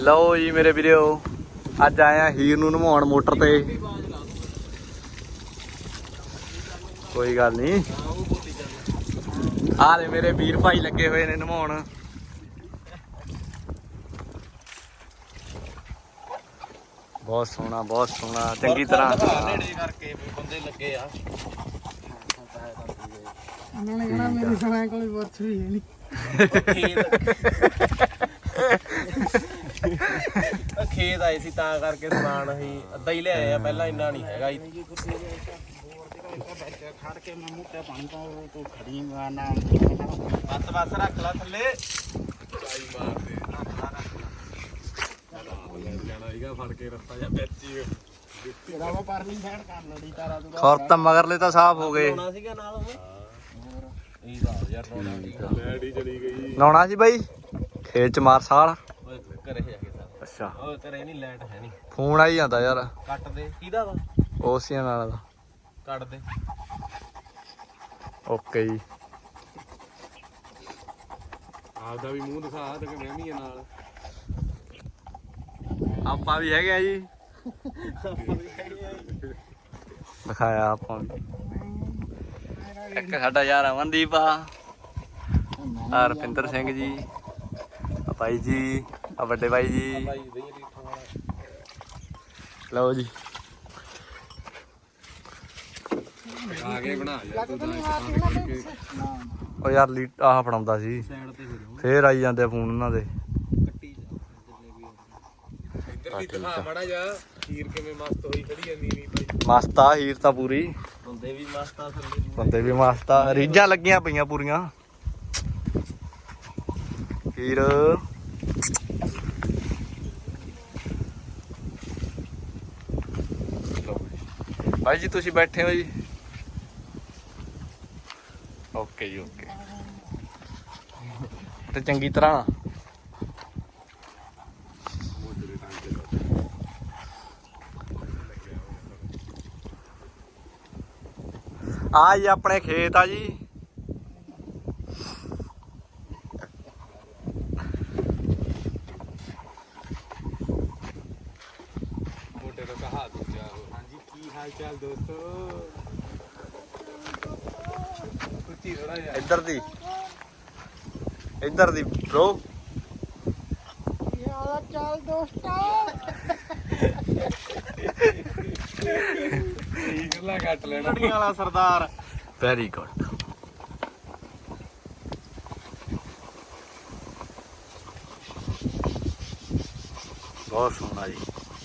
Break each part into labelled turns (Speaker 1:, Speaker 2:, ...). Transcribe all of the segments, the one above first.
Speaker 1: ਲਓ ਜੀ ਮੇਰੇ ਵੀਰੋ, ਅੱਜ ਆਇਆ ਹੀਰ ਨੂੰ ਨਵਾਉਣ ਮੋਟਰ ਤੇ। ਕੋਈ ਗੱਲ ਨਹੀਂ, ਆਹ ਮੇਰੇ ਵੀਰ ਭਾਈ ਲੱਗੇ ਹੋਏ ਨੇ ਨਵਾਉਣ। ਬਹੁਤ ਸੋਹਣਾ, ਬਹੁਤ ਸੋਹਣਾ, ਚੰਗੀ ਤਰ੍ਹਾਂ
Speaker 2: ਨੇੜੇ ਕਰਕੇ ਬੰਦੇ ਲੱਗੇ ਆ।
Speaker 3: ਉਹਨਾਂ ਨੇ ਕਹਿਣਾ ਮੇਰੀ ਸਮਾਂ ਕੋਲ ਵਰਛ ਵੀ ਹੈ ਨਹੀਂ।
Speaker 2: ਖੇਤ ਆਏ ਸੀ ਤਾਂ ਕਰਕੇ ਸਮਾਨ ਅਸੀਂ ਅੱਧਾ ਹੀ ਲਿਆਏ ਆ, ਪਹਿਲਾਂ ਇੰਨਾ ਨਹੀਂ ਹੈਗਾ।
Speaker 3: ਖੜ ਕੇ ਮੈਂ ਮੁੱਟੇ ਪਾਣੀ ਪਾਉ ਤੂੰ ਖੜੀ ਨਾ
Speaker 2: ਬਸ ਬਸ ਰੱਖ ਲਾ ਥੱਲੇ। ਚਾਈ ਮਾਰ ਦੇ ਜਾਣਾ ਸੀਗਾ ਫੜ ਕੇ ਰਸਤਾ ਜਾਂ ਵਿੱਚ ਹੀ
Speaker 3: ਤੇਰਾ ਉਹ ਪਰਲੀ ਸਾਈਡ ਕਰ ਲੜੀ ਤਾਰਾ ਤੂੰ
Speaker 1: ਖੌਰ ਤਾਂ ਮਗਰਲੇ ਤਾਂ ਸਾਫ਼ ਹੋ ਗਏ।
Speaker 2: ਲਾਉਣਾ ਸੀਗਾ ਨਾਲ ਉਹ ਇਹ ਤਾਂ ਯਾਰ ਲਾਉਣਾ ਲੈਡੀ ਚਲੀ ਗਈ।
Speaker 1: ਲਾਉਣਾ ਸੀ ਬਾਈ ਖੇਤ ਚ ਮਾਰ ਸਾਲ।
Speaker 2: ਓਏ ਘਰੇ ਜਾ ਕੇ ਸਰ।
Speaker 1: ਅੱਛਾ,
Speaker 2: ਓਏ ਘਰੇ ਨਹੀਂ, ਲਾਈਟ ਹੈ ਨਹੀਂ।
Speaker 1: ਫੋਨ ਆਈ ਜਾਂਦਾ ਯਾਰ
Speaker 2: ਕੱਟ ਦੇ। ਕਿਹਦਾ ਵਾ?
Speaker 1: ਉਸਿਆਂ ਨਾਲ ਦਾ।
Speaker 2: ਕੱਟ ਦੇ।
Speaker 1: ਓਕੇ ਜੀ।
Speaker 2: ਆਪਦਾ ਵੀ ਮੂੰਹ ਦਿਖਾ ਤੇ ਮੈਂ ਵੀ ਨਾਲ।
Speaker 1: ਆਪਾਂ ਵੀ ਹੈਗੇ ਆ ਜੀ, ਦਿਖਾਇਆ ਆਪਾਂ ਵੀ। ਇੱਕ ਸਾਡਾ ਯਾਰ ਅਮਨਦੀਪ ਆ, ਰੁਪਿੰਦਰ ਸਿੰਘ ਜੀ, ਆ ਭਾਈ ਜੀ, ਆ ਵੱਡੇ ਭਾਈ ਜੀ।
Speaker 2: ਭਾਈ ਦੇ ਰੀਠਾਂ ਵਾਲਾ।
Speaker 1: ਲਓ ਜੀ,
Speaker 2: ਆ ਕੇ ਬਣਾ ਯਾਰ ਤੂੰ
Speaker 1: ਉਹ ਯਾਰ ਲੀਟ ਆਹ ਫੜਾਉਂਦਾ ਸੀ,
Speaker 2: ਸਾਈਡ ਤੇ ਹੋ ਜਾ।
Speaker 1: ਫੇਰ ਆਈ ਜਾਂਦੇ ਫੋਨ ਉਹਨਾਂ ਦੇ।
Speaker 2: ਕੱਟੀ ਜਾ ਜਿੰਨੇ ਵੀ ਇੱਧਰ ਵੀ ਦਿਖਾ ਮਾੜਾ ਜਾ। ਖੀਰ ਕਿਵੇਂ ਮਸਤ ਹੋਈ ਖੜੀ ਜਾਂਦੀ ਨਹੀਂ ਭਾਈ।
Speaker 1: ਮਸਤ ਆ ਹੀਰ ਤਾਂ ਪੂਰੀ,
Speaker 2: ਬੰਦੇ ਵੀ ਮਸਤ ਆ ਥੱਲੇ।
Speaker 1: ਬੰਦੇ ਵੀ ਮਸਤ ਆ, ਰੀਝਾਂ ਲੱਗੀਆਂ ਪਈਆਂ ਪੂਰੀਆਂ। ਹੀਰ ਭਾਈ ਜੀ ਤੁਸੀਂ ਬੈਠੇ ਹੋ ਜੀ? ਓਕੇ ਜੀ, ਓਕੇ। ਤੇ ਚੰਗੀ ਤਰ੍ਹਾਂ ਆ ਜੀ ਆਪਣੇ ਖੇਤ ਆ ਜੀ।
Speaker 2: ਮੋਟੇ ਤੋਂ ਕਹਾ ਦੂਜਾ। ਹਾਂਜੀ ਕੀ ਹਾਲ ਚਾਲ ਦੋਸਤੋ? ਕੁੱਤੀ ਥੋੜਾ ਜਿਹਾ
Speaker 1: ਇੱਧਰ ਦੀ ਬ్రో।
Speaker 3: ਯਾਰ ਚੱਲ ਦੋਸਤਾ
Speaker 2: ਗੱਲਾਂ ਕੱਟ ਲੈਣਾ। ਲੜੀਆਂ ਵਾਲਾ ਸਰਦਾਰ।
Speaker 1: Very good. ਬਹੁਤ ਸੋਹਣਾ ਜੀ।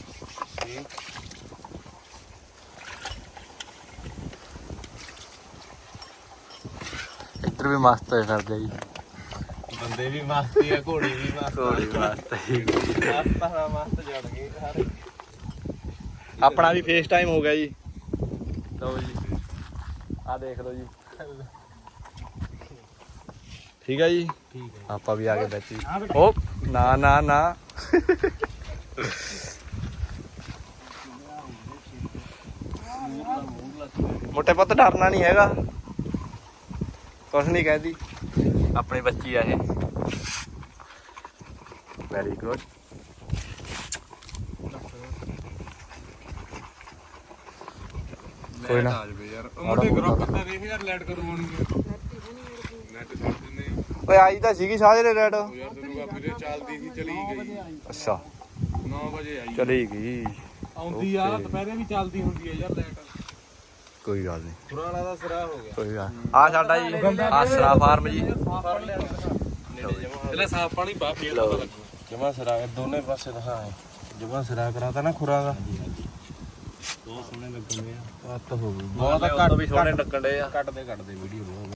Speaker 1: ਇੱਧਰ ਵੀ ਮਸਤ ਹੋਏ ਫਿਰਦੇ ਜੀ,
Speaker 2: ਬੰਦੇ ਵੀ ਮਸਤੀ ਆ, ਘੋੜੀ ਵੀ ਮਸਤ।
Speaker 1: ਘੋੜੀ ਮਸਤ ਜੀ।
Speaker 2: ਮਸਤ ਆ, ਮਸਤ ਜੜ ਗਏ ਸਾਰੇ।
Speaker 1: ਆਪਣਾ ਵੀ ਫੇਸ ਟਾਈਮ ਹੋ ਗਿਆ ਜੀ। ਲਓ ਜੀ, ਆ ਦੇਖ ਲਓ ਜੀ। ਠੀਕ ਹੈ ਜੀ,
Speaker 2: ਠੀਕ ਹੈ।
Speaker 1: ਆਪਾਂ ਵੀ ਆ ਗਏ ਵਿੱਚ ਜੀ। ਓ ਨਾ ਨਾ ਨਾ, ਮੋਟੇ ਪੁੱਤ ਡਰਨਾ ਨਹੀਂ ਹੈਗਾ, ਕੁਛ ਨਹੀਂ ਕਹਿੰਦੀ। ਆਪਣੀ ਬੱਚੀ ਆ ਇਹ। Very good. ਕੋਈ ਨਾ।
Speaker 2: ਆ ਜਵੇ ਯਾਰ ਉਹ ਮੁੰਡੇ ਗਰੁੱਪ ਦਾ ਦੇਖ ਯਾਰ ਲੈਟ ਕਰਵਾਉਣਗੇ। ਨੈਟ ਛੱਡ ਦਿੰਦੇ ਆ।
Speaker 1: ਓਏ ਆਈ ਤਾਂ ਸੀਗੀ ਸਾਜਰੇ ਰੈਡ।
Speaker 2: ਯਾਰ ਤੈਨੂੰ ਆ ਵੀਰੇ ਚੱਲਦੀ ਸੀ, ਚਲੀ ਗਈ।
Speaker 1: ਅੱਛਾ,
Speaker 2: 9 ਵਜੇ ਆਈ।
Speaker 1: ਚਲੀ ਗਈ।
Speaker 2: ਆਉਂਦੀ ਆ ਦੁਪਹਿਰੇ ਵੀ ਚੱਲਦੀ ਹੁੰਦੀ ਆ ਯਾਰ ਲੈਟ।
Speaker 1: ਕੋਈ ਗੱਲ ਨਹੀਂ,
Speaker 2: ਪੁਰਾਣਾ ਦਾ ਸਿਰਾ ਹੋ ਗਿਆ।
Speaker 1: ਕੋਈ ਗੱਲ। ਆ ਸਾਡਾ ਜੀ ਆਸਰਾ ਫਾਰਮ ਜੀ।
Speaker 2: ਪਹਿਲਾਂ ਸਾਫ ਪਾਣੀ ਪਾ ਫੇਰ ਪਤਾ ਲੱਗੂ। ਜਮਾ ਸਿਰਾ ਦੋਨੇ ਪਾਸੇ ਦਿਖਾ। ਜਮਾ ਸਿਰਾ ਕਰਾਤਾ ਨਾ ਖੁਰਾ ਦਾ। ਬਹੁਤ ਸੋਹਣੇ ਲੱਗਣਦੇ ਆ। ਕੱਟ ਹੋ ਗਈ ਬਹੁਤ। ਘੱਟ
Speaker 1: ਵੀ ਸੋਹਣੇ ਲੱਗਣ ਡੇ ਆ।
Speaker 2: ਕੱਟਦੇ ਵੀਡੀਓ।